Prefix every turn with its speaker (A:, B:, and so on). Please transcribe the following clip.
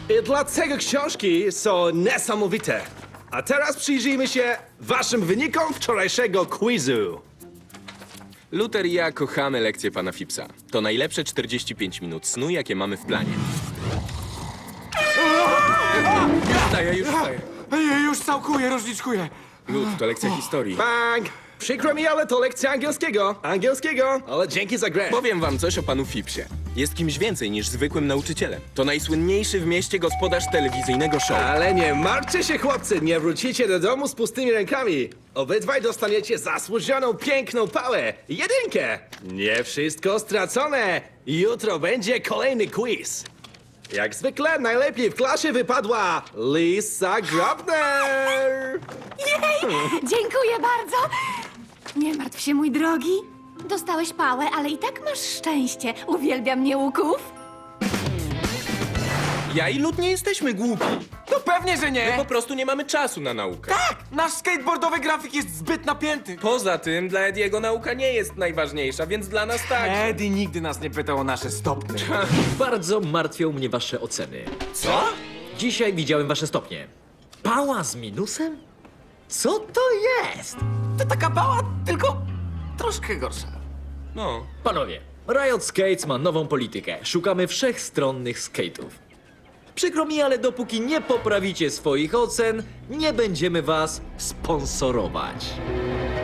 A: I dlatego książki są niesamowite. A teraz przyjrzyjmy się waszym wynikom wczorajszego quizu.
B: Luther i ja kochamy lekcje pana Phippsa. To najlepsze 45 minut snu, jakie mamy w planie. Już wstaję.
C: Już całkuję, różniczkuję.
B: Lut, to lekcja historii.
A: Bang! Przykro mi, ale to lekcja angielskiego. Angielskiego, ale dzięki za grę.
B: Powiem wam coś o panu Phippsie. Jest kimś więcej niż zwykłym nauczycielem. To najsłynniejszy w mieście gospodarz telewizyjnego show.
A: Ale nie martwcie się, chłopcy, nie wrócicie do domu z pustymi rękami. Obydwaj dostaniecie zasłużoną, piękną pałę. Jedynkę. Nie wszystko stracone. Jutro będzie kolejny quiz. Jak zwykle najlepiej w klasie wypadła Lisa Grabner.
D: Jej! Dziękuję bardzo! Nie martw się, mój drogi. Dostałeś pałę, ale i tak masz szczęście. Uwielbiam nieuków.
B: Ja i Lut nie jesteśmy głupi.
C: No pewnie, że nie.
B: Po prostu nie mamy czasu na naukę.
C: Tak, nasz skateboardowy grafik jest zbyt napięty.
B: Poza tym, dla Ediego nauka nie jest najważniejsza, więc dla nas tak.
C: Eddie nigdy nas nie pytał o nasze stopnie.
E: Bardzo martwią mnie wasze oceny.
B: Co?
E: Dzisiaj widziałem wasze stopnie. Pała z minusem? Co to jest?
C: To taka pała, tylko troszkę gorsza.
B: No.
E: Panowie, Riot Skates ma nową politykę. Szukamy wszechstronnych skate'ów. Przykro mi, ale dopóki nie poprawicie swoich ocen, nie będziemy was sponsorować.